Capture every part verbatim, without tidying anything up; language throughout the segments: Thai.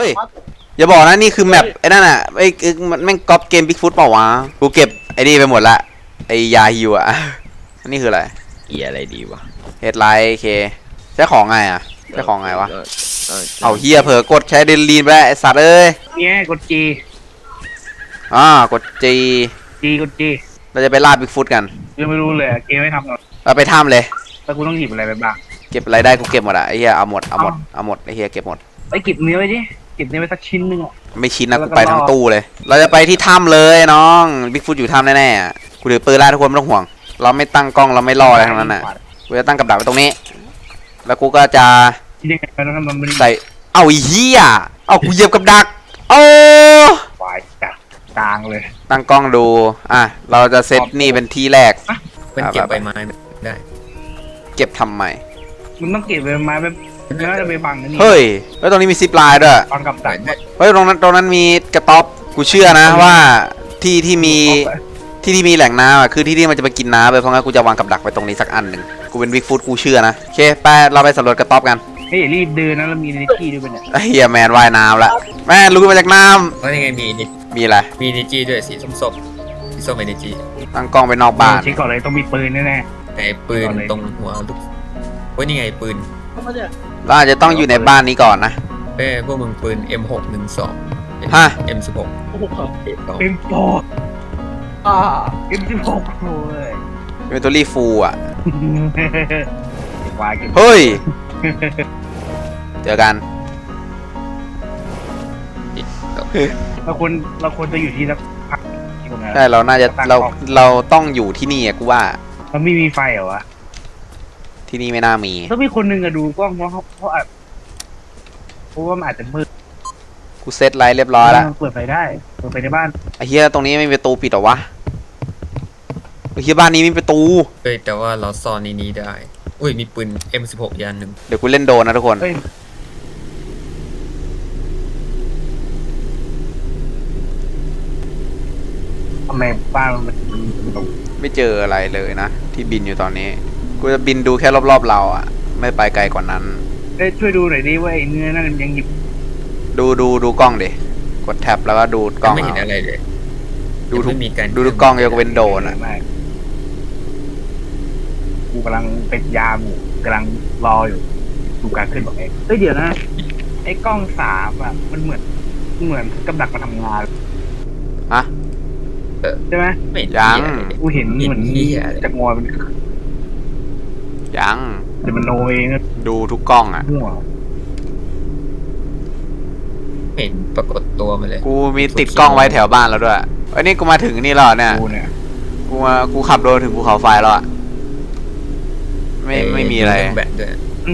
ฮ้ยอย่าบอกนะนี่คือแมปไอ้นั่นอ่ะไอ้มันแม่งก๊อปเกมบิ๊กฟุตเปล่าวะกูเก็บไอ้นี่ไปหมดละไอ้ยาฮิวอ่ะอันนี้คืออะไรเกียอะไรดีวะเฮดไลท์เคใช้ของไงอ่ะใช้ของไงวะเอาเฮียเผลอกดใช้เดนลีนไปไอ้สัตว์เอ้ยเนี่ยกดจีอ่ากดจีจีกดจีเราจะไปล่าบิ๊กฟุตกันยังไม่รู้เลยเกมไม่ทำหรอกเราไปถ้ำเลยแล้วกูต้องหยิบอะไรไปบ้างเก็บอะไรได้กูเก็บหมดอ่ะไอ้เฮียเอาหมดเอาหมดเอาหมดไอ้เฮียเก็บหมดไอ้เก็บเนื้อไว้ดิเก็บเนื้อไว้สักชิ้นนึงอ่ะไม่ชิ้นนะกูไปทั้งตู้เลยเราจะไปที่ถ้ำเลยน้องบิ๊กฟุตอยู่ถ้ำแน่ๆกูถือปืนแล้วทุกคนไม่ต้องห่วงเราไม่ตั้งกล้องเราไม่รออะไรทั้งนั้นน่ะกูจะตั้งกับดักไว้ตรงนี้แล้วกูก็จะใส่เอาเฮียเอากูเหยียบกับดักโอ้วายจัดกลางเลยตั้งกล้องดูอ่ะเราจะเซตนี่เป็นที่แรกเป็นเก็บใบไม้ได้เก็บทำไมมึงต้องเก็บใบไม้แบบน่าจะไปบังนี่เฮ้ยแล้วตรงนี้มีซิปไลน์ด้วยบังกับดักเฮ้ยตรงนั้นตรงนั้นมีกระต๊อบกูเชื่อนะว่าที่ที่มีที่ที่มีแหล่งน้ำอ่ะคือที่ที่มันจะไปกินน้ำไปเพราะงั้นกูจะวางกับดักไว้ตรงนี้สักอันหนึ่งกูเป็นบิ๊กฟุตกูเชื่อนะโอเคไปเราไปสำรวจกระต๊อบกันเฮ้ยรีบเดินนะเรามีนิจี้ด้วยเป็นเฮียแมนว่ายน้ำละแม่ลุกมาจากน้ำว่ายังไงมีนิมีอะไรมีนิจี้ด้วยสีส้มๆสีส้มเป็นนิจี้ตั้งกล้องไปนอกบ้านเช็คก่อนเลยต้องมีปืนแน่ๆแต่ปืนตรงหัวลูกว่านี่ไงปืนเราอาจจะต้องอยู่ในบ้านนี้ก่อนนะเอ้พวกมึงปืน เอ็ม หก หนึ่ง สองฮะเอ็ม สิบหกเอ็ม โฟร์ อ่า เอ็ม สิบหกโอ้ยเป็นตัวรีฟูอ่ะเฮ้ยเจอกันเราควรเราควรจะอยู่ที่สักพักใช่เราน่าจะเราเราต้องอยู่ที่นี่กูว่ามันไม่มีไฟเหรอวะที่นี่ไม่น่ามีต้องมีคนนึงอะดูกล้องเพราะเพราะเพราะว่ามันอาจจะมืดกูเซตไลท์เรียบร้อยแล้วเปิดไฟได้เปิดไฟในบ้านไอ้เฮียตรงนี้ไม่มีประตูปิดหรอวะไอ้เฮียบ้านนี้มีประตูเฮ้ยแต่ว่าเราซ่อนในนี้ได้อุ้ยมีปืน เอ็ม สิบหก ยานหนึ่งเดี๋ยวกูเล่นโดนนะทุกคนทำไมบ้านมันไม่เจออะไรเลยนะที่บินอยู่ตอนนี้กูจะบินดูแค่รอบๆเราอ่ะไม่ไปไกลกว่านั้นเอ้ยช่วยดูหน่อยดิว่าไอ้เนื้อนั่นยังหยิบดูดูดูกล้องดิกดแท็บแล้วก็ดูกล้องไม่เห็นอะไรเลยดูทุกดูทุกกล้องยกเว้นโดนอ่ะกูกำลังเป็นยามอยู่กำลังรออยู่ดูการขึ้นบอกเองเฮ้ยเดี๋ยวนะไอ้กล้องสามอ่ะมันเหมือนเหมือนกับดักมาทำงานฮะใช่ไหมยังกูเห็นเหมือนจะงอเป็นยังเดี๋ยวมันโนเองดูทุกกล้องอ่ะเห็นปรากฏตัวมาเลยกูมีติดกล้องไว้แถวบ้านแล้วด้วยไอ้นี่กูมาถึงนี่แล้วเนี่ยกูมากูขับโดนถึงภูเขาไฟแล้วอ่ะไม่ไม่มีอะไรแบตด้วย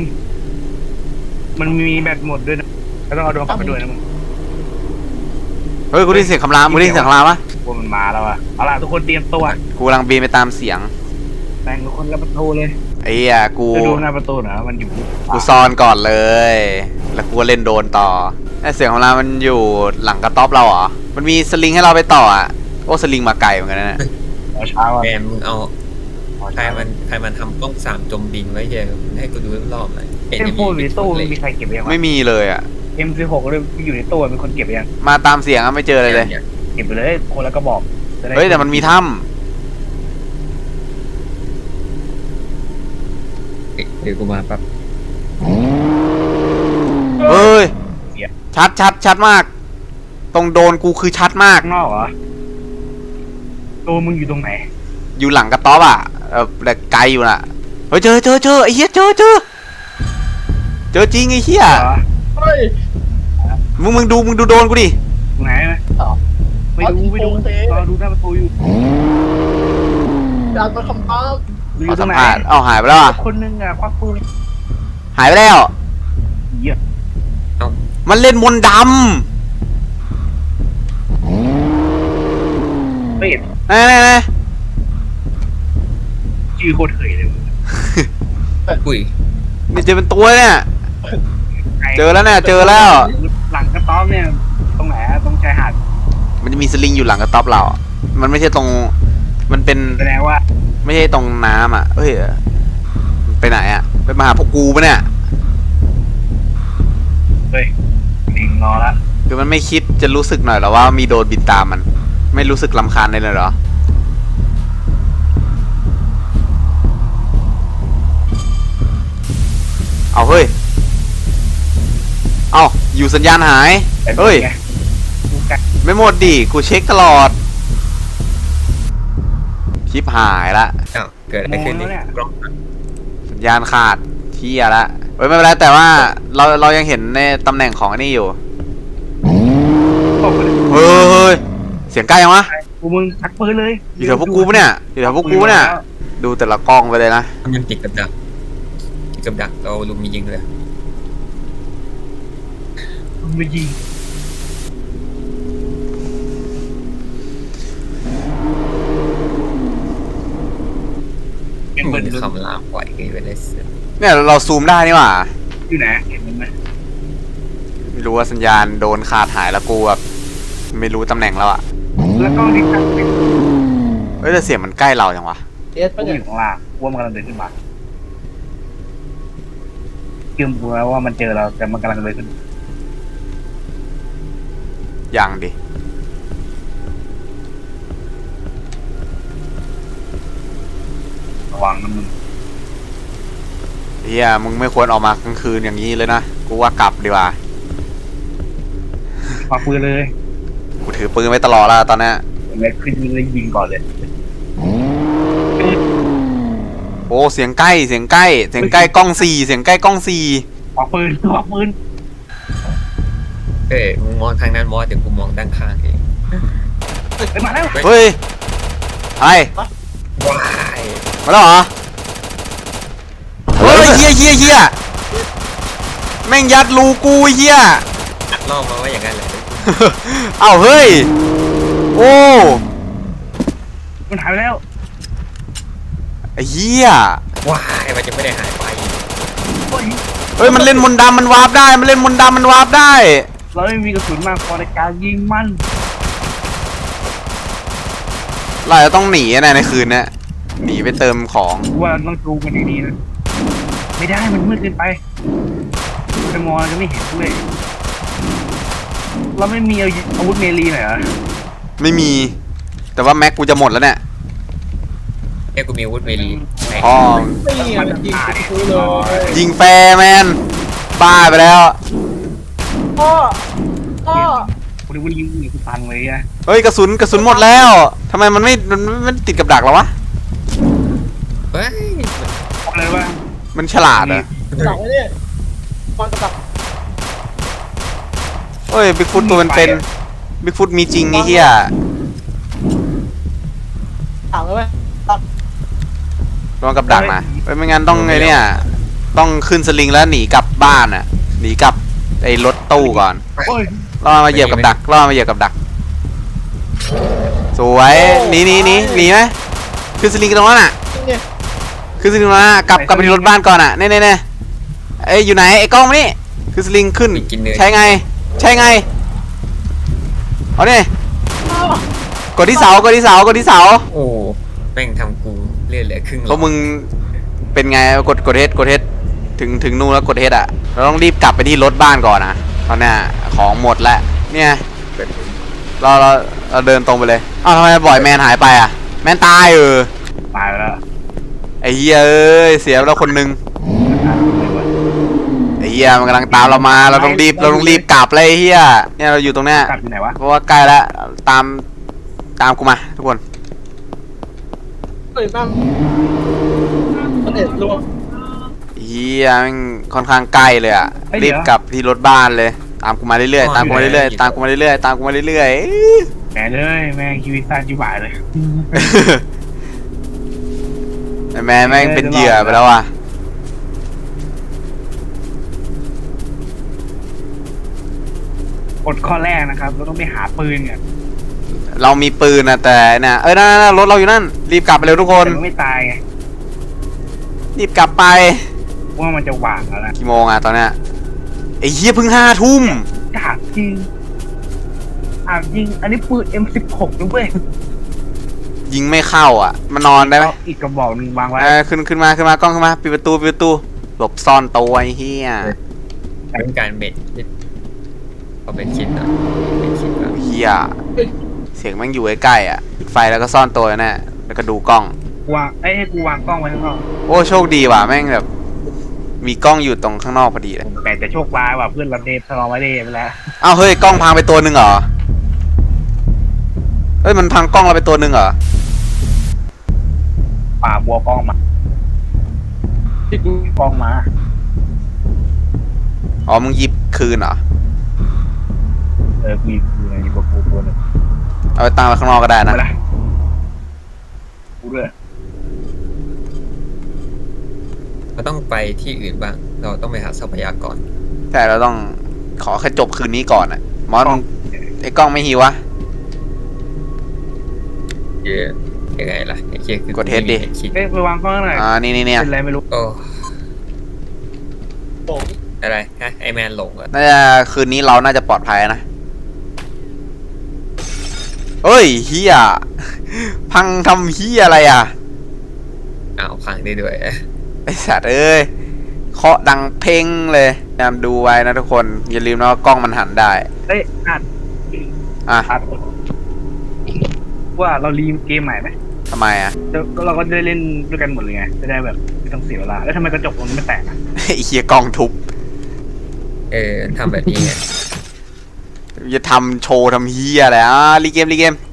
มันมีแบตหมดด้วยนะแล้วต้องเอาดวงกลับไปด้วยนะมึงเฮ้ยกูได้เสียงคำรามกูได้เสียงคำรามปะกูมันมาแล้วอ่ะเอาล่ะทุกคนเตรียมตัวกูกำลังบินไปตามเสียงแต่งทุกคนกับประตูเลยไอ้เหี้ยกูจะดูหน้าประตูนะมันอยู่กูซ่อนก่อนเลยแล้วกูเล่นโดนต่อไอ้เสียงของเรามันอยู่หลังกระต๊อบเราเหรอมันมีสลิงให้เราไปต่ออ่ะโอ้สลิงมาไกลเหมือนกันนะแกมึงเอาใครมันใครมันทำกล้องสามจมดินไว้เยอะให้กูดูรอบเลยเอ็มโฟอยู่ในตู้มีใครเก็บยังไม่มีเลยอ่ะเอ็มสิบหกเลยอยู่ในตู้มีคนเก็บยังมาตามเสียงอ่ะไม่เจอเลยเลยเก็บไปเลยคนละก็บอกเฮ้ยแต่มันมีถ้ำเดี๋ยวกูมาปั๊บเฮ้ยชัดชัดชัดมากตรงโดนกูคือชัดมากนอกเหรอโดนมึงอยู่ตรงไหนอยู่หลังกระต๊อบอ่ะเออแต่ไกลอยู่น่ะเฮ้ยเจอเจอเจอไอ้เหี้ยเจอเจอเจอจริงไอ้เหี้ยมึงมึงดูมึงดูโดนกูดิไหนไหมไม่ดูไม่ดูรอดูหน้าประตูอยู่อยากมาคำตอบขอสัมภาษณ์เอาหายไปแล้วอ่ะคนนึงอ่ะควักปืนหายไปแล้วเหี้ยมันเล่นมนต์ดำเป็ดแน่แน่แน่ชื่อโคตรเถยเลยอุ้ยนี่เจอเป็นตัวเนี่ยเจอแล้วเนี่ยเจอแล้วหลังกระต๊อบเนี่ยตรงไหนตรงชายหาดมันจะมีสลิงอยู่หลังกระต๊อบเรามันไม่ใช่ตรงมันเป็นแสดงว่าไม่ใช่ตรงน้ำอ่ะเฮ้ยไปไหนอ่ะไปมาหาพวกกูปะเนี่ยเฮ้ยลิงรอละคือมันไม่คิดจะรู้สึกหน่อยเหรอว่ามีโดรนบินตามมัน ไม่รู้สึกรำคาญเลยเลยเหรอ เอาเฮ้ย เอาอยู่สัญญาณหายแต่เฮ้ยไงกูกะไม่หมดดิ กูเช็คตลอด ชิปหายละอ้าวเกิดอะไรขึ้นนี่กล้องสัญญาณขาดเที่ยละเฮ้ยไม่เป็นไรแต่ว่าเราเรายังเห็นในตำแหน่งของอันนี้อยู่ตกไปเลยเฮ้ยเฮ้ยเสียงใกล้ยังวะกูมึงชักปืนเลยอยู่แถวพวกกูปะเนี่ยอยู่แถวพวกกูปะเนี่ย ดูแต่ละกล้องไปเลยนะมันติดกับดักติดกับดักเราลุมมียิงเลยมึงไปยิงเป็นมึเบิร์งดคำรามปล่อยกันไปเลยเนี่ยเราซูมได้นี่หว่าอยู่ไหนเห็นมันไหมไม่รู้ว่าสัญญาณโดนขาดหายแล้วกูแบบไม่รู้ตำแหน่งแล้วอะแล้วก็ที่ตั้งเป็นเฮ้ยแต่เสียงมันใกล้เราจังวะเอสกูปะอเนี่ยยู่ข้างล่างกูว่ามันกำลังเดินขึ้นมาเชื่อมกูแล้วว่ามันเจอเราแต่มันกำลังเดินขึ้นยังดิระวังนะมึงเฮียมึงไม่ควรออกมากลางคืนอย่างนี้เลยนะกูว่ากลับดีกว่าคว้าปืนเลยกูถือปืนไว้ตลอดแล้วตอนเนี้ยเล็กขึ้นเลยยิงก่อนเลยโอ้เสียงใกล้เสียงใกล้เสียงใกล้กล้องสี่เสียงใกล้กล้องสี่คว้าปืนคว้าปืนเอ้ยมึงมองทางนั้นมอสเดี๋ยวกูมองด้านข้างเองไปมาแล้วเฮ้ยไอ้ว้ายมาแล้วเหรอเฮ้ยเฮียเฮียเฮียแม่งยัดรูกูเฮียอัดล่อมาว่าอย่างนั้นเลยเอ้าเฮ้ยโอ้มันหายไปแล้วไอ้เฮียว้ายมันจะไม่ได้หายไปโอ้ยเฮ้ยมันเล่นมนต์ดำมันวาร์ปได้มันเล่นมนต์ดำมันวาร์ปได้เราไม่มีกระสุนมากพอในการยิงมันเราจะต้องหนีนะในคืนเนี้ยหนีไปเติมของกูว่าต้องดูมันดีๆนะไม่ได้มันมืดเกินไปจะมองจะไม่เห็นด้วยเราไม่มีอาวุธเมลีหน่อยเหรอไม่มี แต่ว่าแม็กกูจะหมดแล้วเนี่ยเอ้ยกูมีอาวุธเวลีไหนพ่อนี่ไงมันยิงกูเลยยิงแฟร์แมนบ้าไปแล้วพ่อพ่อกูดูว่ายิงยิงกูฟังเลยอะเฮ้ยกระสุนกระสุนหมดแล้วทำไมมันไม่มันไม่มันติดกับดักแล้ววะเฮ้ยบอกเลยว่ามันฉลาดเหรอหลังไว้เนี่ยฟังกระดักเฮ้ยบิ๊กฟุตตัวมันเป็นบิ๊กฟุตมีจริงไอ้เหี้ยหลังไว้ไหมตัดลองกับดักนะเฮ้ยไม่งั้นต้องไงเนี่ยต้องขึ้นสลิงแล้วหนีกลับบ้านอ่ะหนีกลับไอ้รถตู้ก่อนโอ้ยล่อมาเหยียบกับดักล่อมาเหยียบกับดัก สวยหนีหนีหนีหนีไหมขึ้นสลิงกันตรงนั้นอ่ะเนี่ยขึ้นสลิงตรงนั้นอะกลับกลับไปที่รถบ้านก่อนอ่ะเน่เน่เน่เอ้ยอยู่ไหนไอ้กล้องมานี่ขึ้นสลิงขึ้นมีกินเนื้อใช่ไง ใช่ไงเอาเนี่ยอ้าวกดที่เสากดที่เสากดที่เสาโอ้แม่งทำกูเลือดเหลือครึ่งหลเพอราะดมึงเป็นไงกดกดเฮดกดเฮดถึงถึงนู่นแล้วกดเฮดอ่ะเราต้องรีบกลับไปที่รถบ้านก่อนนะตอนเนี้ยของหมดแล้วเนี่ยเราเราเราเดินตรงไปเลยอ้าวทำไมบ่อยแมนหายไปอ่ะแมนตายเออตายไปแล้วไอ้เหี้ยเอ้ยเสียไปแล้วคนหนึงไอ้เหี้ยมันกำลังตามเรามาเราต้องรีบเราต้องรีบกลับเลยไอ้เหี้ยเนี่ยเราอยู่ตรงเนี้ยกลับอยู่ไหนวะเพราะว่าใกล้แล้วตามตามกูมาทุกคนเฮ้ยนั่นมันเอ็ดรวมเฮียแม่งค่อนข้างใกล้เลยอะรีบกลับที่รถบ้านเลย ตามกูมาเรื่อยๆตามกูมาเรื่อยๆตามกูมาเรื่อยๆตามกูมาเรื่อยแหมเลยแม่งชีวิตสั้นชิบหายเลยๆไอ้แม่แม่งเป็นเหยื่อไปแล้วอ่ะกฎข้อแรกนะครับ เราต้องไปหาปืนเนี่ยเรามีปืนนะแต่เนี่ยเอ้ยนั่นๆๆรถเราอยู่นั่นรีบกลับไปเร็วทุกคนแต่มันไม่ตายไงรีบกลับไปว่ามันจะหว่างแล้วนะกี่โมงอะตอนเนี้ยไอ้เฮียเพิ่งห้าทุ่มถามจริงถามจริง อันนี้ปืน เอ็ม สิบหก นะเว้ยยิงไม่เข้าอ่ะมานอนได้ไหมเอาอีกกระบอกหนึ่งวางไว้เออขึ้นขึ้นมาขึ้นมากล้องขึ้นมาปิดประตูปิดประตูหลบซ่อนตัวไอ้เฮียเป็นการเบ็ดเอาเป็นคิดหน่อยเป็นคิดก่อนเฮียเสียงแม่งอยู่ใกล้ๆอ่ะปิดไฟแล้วก็ซ่อนตัวแน่แล้วก็ดูกล้องกูวางเอ้ยให้กูวางกล้องไว้ข้างนอกโอ้โชคดีว่ะแม่งแบบมีกล้องอยู่ตรงข้างนอกพอดีเลยแต่จะโชคร้ายว่ะเพื่อนเราเดททะเลาะไว้เดทไปแล้วอ้าวเฮ้ยกล้องพังไปตัวหนึ่งเหรอเฮ้ยมันพังกล้องเราไปตัวหนึ่งเหรอป่าบัวกล้องมาที่กูกล้องมาอ๋อมึงหยิบคืนเหรอเออกูกูในนี้บัวกูตัวหนึงเอาไปตั้งไว้ข้างนอกก็ได้นะไปละกูด้วยเราต้องไปที่อื่นบ้าง เราต้องไปหาทรัพยากรใช่เราต้องขอแค่จบคืนนี้ก่อนอ่ะมอสมึงไอ้กล้องไม่หิววะเยอะยังไงล่ะไอ้เคียคือกด H ดิไม่มีคิดเอ้ยไปวางกล้องหน่อยอ่านี่นี่เนี่ยเป็นไรไม่รู้โอ้ผมอะไรฮะไอแมนหลงเหรอน่าจะคืนนี้เราน่าจะปลอดภัยนะเฮ้ยเฮียพังทำเฮียอะไรอ่ะอ้าวพังได้ด้วยไอสัตว์เอ้ยเคาะดังเพ่งเลยพยายามดูไว้นะทุกคนอย่าลืมนะว่ากล้องมันหันได้เอ้ยอัดอ่ะอัดว่าเรารีมเกมใหม่ไหมทำไมอ่ะเดี๋ยวเราก็ได้เล่นด้วยกันหมดเลยไงจะได้แบบไม่ต้องเสียเวลาแล้วทำไมกระจกตรงนี้ไม่แตกอ่ะไอ้เฮียกล้องทุบเออทำแบบนี้ไงอย่าทำโชว์ทำเฮียอะไรอ่ะรีเกมรีเกม